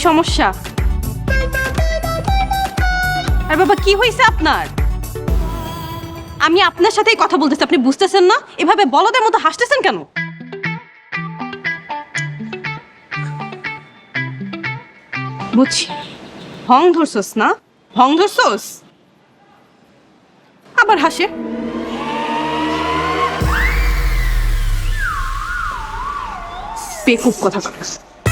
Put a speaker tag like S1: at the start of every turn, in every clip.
S1: সমস্যা? আর বাবা কি হয়েছে আপনার? আমি আপনার সাথেই কথা বলতেছি, আপনি বুঝতেছেন না? এভাবে বলদের মতো হাসতেছেন কেন? বুঝছি, ভং ধরছস না? ভং ধরছস? আবার হাসে। বেকুব কথা কথা।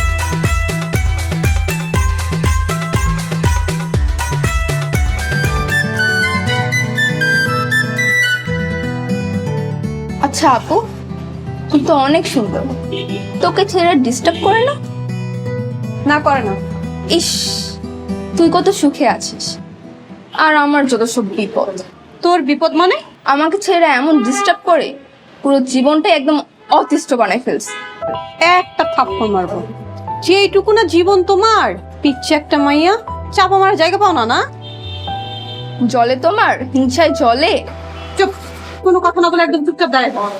S2: আচ্ছা আপু, তুই তো অনেক সুন্দর, তোকে ছেলেরা ডিস্টার্ব করে না?
S1: না করে না।
S2: ইস, তুই কত সুখে আছিস, আর আমার যত সব বিপদ।
S1: তোর বিপদ মানে?
S2: আমাকে ছেলেরা এমন ডিস্টার্ব করে, পুরো জীবনটাই একদম অতিষ্ঠ বানায় ফেলছে।
S1: একটা থাপ্পড় মারবো। যেইটুকু না জীবন তোমার, পিচ্ছে একটা মাইয়া, চাপা মারার জায়গা পাও না? না
S2: জলে তোমার হিংসায় জলে।
S1: চুপ, কোনো কথা না বলে একদম চুপচাপ দাঁড়ায় থাক।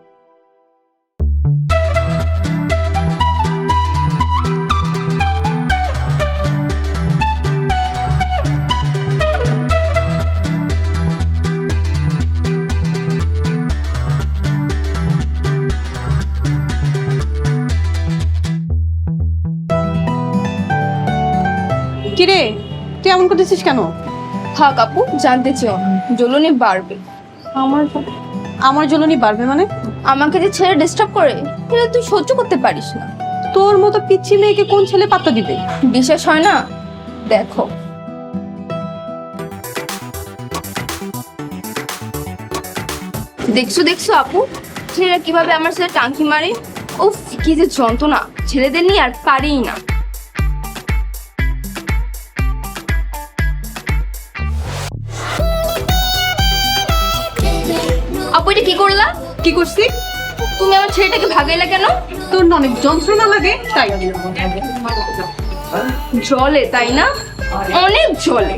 S1: কিরে, তুই এমন করতেছিস কেন?
S2: থাক আপু, জানতে চেও না, জ্বলুনি বাড়বে।
S1: আমার জ্বলনি বাড়বে মানে?
S2: আমাকে যে ছেলে ডিস্টার্ব করে, এটা তুই সহ্য করতে পারিস না।
S1: তোর মতো পিচ্ছি মেয়েকে কোন ছেলে পাত্তা দিবে?
S2: বিশ্বাস হয় না? দেখো। দেখছো দেখছো আপু, ছেলেরা কিভাবে আমার ছেলে টাঙ্কি মারে। উফ, কি যে যন্ত্রণা, ছেলেদের নিয়ে আর পারিই না। আপু এটা কি করলা?
S1: কি করছি?
S2: তুমি আমার ছেলেটাকে ভাগাইলা কেন?
S1: তোর না অনেক যন্ত্রণা লাগে তাই।
S2: জলে তাই না? অনেক জলে।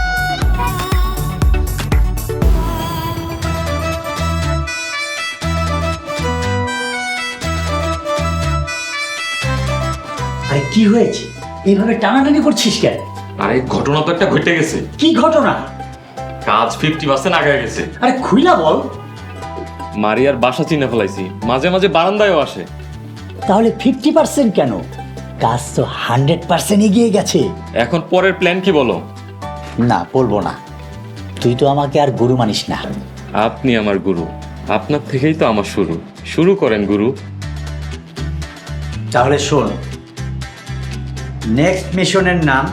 S3: আরে কি হয়েছে? এইভাবে টানাটানি করছিস কেন?
S4: আরে ঘটনা তো একটা ঘটে গেছে।
S3: কি ঘটনা?
S4: কাজ 50% আগে গেছে।
S3: আরে খুইলা বল।
S4: মারিয়ার বাসা চিনে ফেলাইছি, মাঝে মাঝে বারান্দায়ও আসে।
S3: তাহলে 50% কেন? কাজ তো 100% এগিয়ে গেছে।
S4: এখন পরের প্ল্যান কি বলো?
S3: না, বলবো না। তুই তো আমাকে আর গুরু মানিস না।
S4: আপনি আমার গুরু, আপনার থেকেই তো আমার শুরু। শুরু করেন গুরু।
S3: তাহলে শোন, নেক্সট মিশনের নাম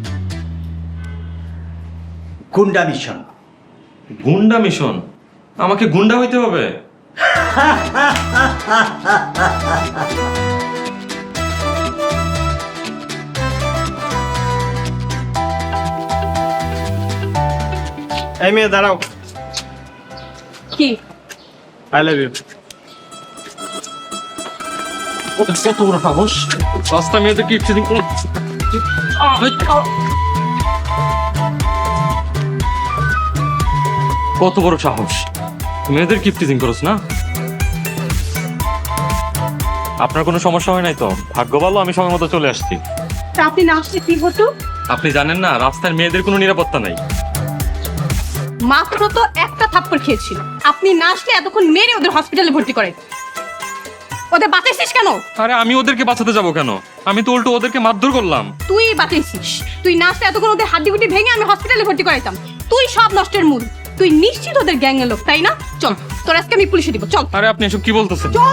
S3: গুন্ডা মিশন।
S4: গুন্ডা মিশন? আমাকে গুন্ডা হইতে হবে?
S5: এই মেয়ে দাঁড়াও।
S1: কি?
S5: I love you.
S4: কত বড় সাহস! রাস্তা মেয়েদের কি ইচ্ছে কত বড় সাহস! মেয়েদের কি টিজিং করছ না? আপনার কোনো সমস্যা হয় নাই তো? ভাগ্য ভালো আমি সময় মতো চলে আসছি।
S1: তা আপনি না আসলে কি হতো?
S4: আপনি জানেন না, রাস্তার মেয়েদের কোনো নিরাপত্তা নাই।
S1: মাত্র তো একটা থাপ্পড় খেয়েছিল, আপনি না আসলে এতক্ষণ মেরে ওদের হসপিটালে ভর্তি করে। ওদের বাঁচাইছিস কেন?
S4: আরে আমি ওদেরকে বাঁচাতে যাব কেন? আমি তো উল্টো ওদেরকে মারধর করলাম।
S1: তুই বাঁচাইছিস। তুই না আসলে এতক্ষণ ওদের হাড্ডি গুটি ভেঙে আমি হসপিটালে ভর্তি করাইতাম। তুই সব নষ্টের মূল। তুই নিশ্চিত ওদের গ্যাংয়ের লোক, তাই না? চল, তোর আজকে আমি পুলিশে দিব। চল।
S4: আরে আপনি এসব কি বলতেছেন?
S1: চল।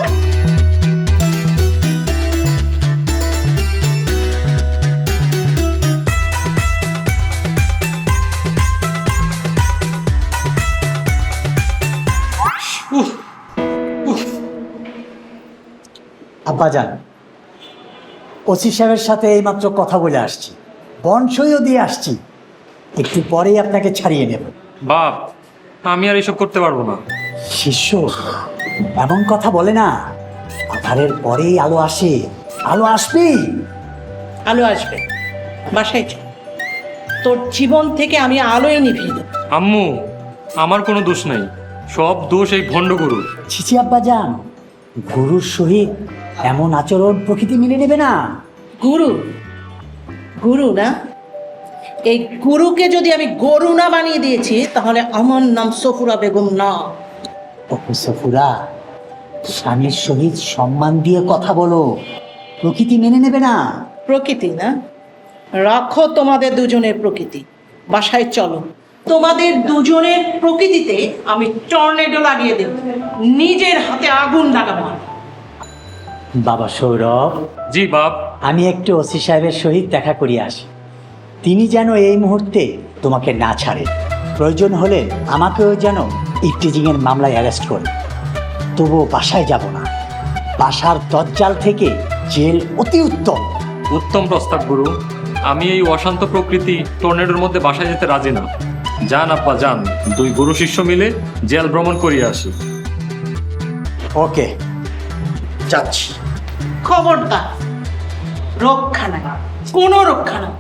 S3: আব্বাজান, ওসি সাহেবের সাথে এইমাত্র কথা বলে আসছি, বনসইও দিয়ে আসছি। একটু পরেই আপনাকে ছাড়িয়ে নেব।
S4: বাপ, আমি আর এসব করতে পারবো না।
S3: শিষ্য এমন কথা বলে না। আধারের পরেই আলো আসে, আলো আসবেই।
S6: আলো আসবে, বাসায় যা। তোর জীবন থেকে আমি আলোয় নিভিয়ে দেব।
S4: আম্মু, আমার কোনো দোষ নাই, সব দোষ এই ভণ্ড গুরু।
S3: ছিছি আব্বাজান, গুরুর সহিত এমন আচরণ প্রকৃতি মেনে নেবে না।
S6: গুরু, গুরু না? এই গুরুকে যদি আমি গরু না বানিয়ে দিয়েছি তাহলে আমার নাম সফুরা বেগম না।
S3: ওহো সফুরা, স্বামীর সহিত সম্মান দিয়ে কথা বলো, প্রকৃতি মেনে নেবে না।
S6: প্রকৃতি না? রাখো তোমাদের দুজনের প্রকৃতি, বাসায় চলো। তোমাদের দুজনের প্রকৃতিতে আমি টর্নেডো লাগিয়ে দেব, নিজের হাতে আগুন লাগাবো।
S3: বাবা সৌরভ,
S4: জি বাপ।
S3: আমি একটু ওসি সাহেবের সহিত দেখা করিয়ে আসি। তিনি যেন এই মুহূর্তে তোমাকে না ছাড়ে, প্রয়োজন হলে আমাকেও যেন ইফটিজিংয়ের মামলায় অ্যারেস্ট করে। তবুও বাসায় যাব না, বাসার দজ্জাল থেকে জেল অতি উত্তম।
S4: উত্তম প্রস্তাব গুরু। আমি এই অশান্ত প্রকৃতি টর্নেডোর মধ্যে বাসায় যেতে রাজি না। যান আব্বা যান, দুই গুরু শিষ্য মিলে জেল ভ্রমণ করিয়ে আসি।
S3: ওকে, যাচ্ছি।
S6: খবরদার, রক্ষা নাই, কোনো রক্ষা নাই।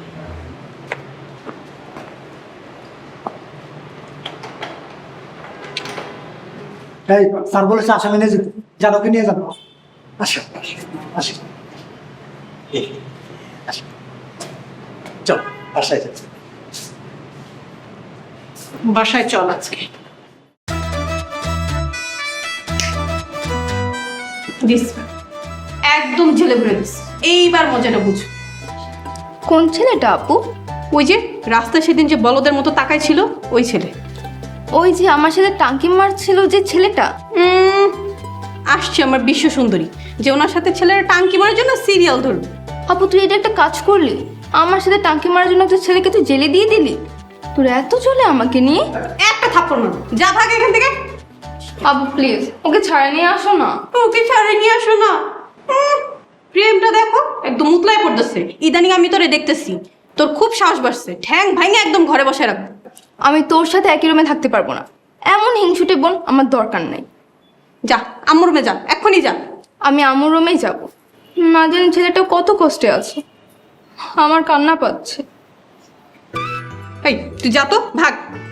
S3: এই স্যার বলেছে আসামি নিয়ে যেতে, জানোকে নিয়ে যাবো। আসো আসো, চল বাসায় যাচ্ছি।
S6: বাসায় চল আজকে।
S1: দিস একদম ঝেলে ভরে দিস। এইবার মজাটা বুঝ।
S2: কোন ছেলেটা আপু?
S1: ওই যে রাস্তায় সেদিন যে বলদের মতো তাকাই ছিল, ওই ছেলে।
S2: ওই যে আমার সাথে টাঙ্কি মারছিল যে ছেলেটা?
S1: আসছে আমার বিশ্ব সুন্দরী, যে ওনার সাথে ছেলের টাঙ্কি মারার জন্য সিরিয়াল ধরবে।
S2: আপু তুই এটা একটা কাজ করলি, আমার সাথে টাঙ্কি মারার জন্য একটা ছেলেকে তুই জেলে দিয়ে দিলি। তোর এত চলে আমাকে নিয়ে?
S1: একটা থাপ্পড় মারো, যা ভাগ এখান থেকে।
S2: আপু প্লিজ ওকে ছাড়া নিয়ে আসো না।
S1: ওকে ছাড়ে নিয়ে আসো না। প্রেমটা দেখো একদম মুতলায় পড়তেছে। ইদানিং আমি তোরে দেখতেছি, তোর খুব সাহস বাড়ছে। ঠ্যাং ভাঙে একদম ঘরে বসে রাখবো।
S2: আমি তোর সাথে একই রুমে থাকতে পারবো না, এমন হিংসুটে বোন আমার দরকার নাই।
S1: যা আম্মুর রুমে যা, এক্ষুনি যা।
S2: আমি আমার রুমেই যাব, না জানি ছেলেটা কত কষ্টে আছে, আমার কান্না পাচ্ছে।
S1: এই তুই যা তো, ভাগ।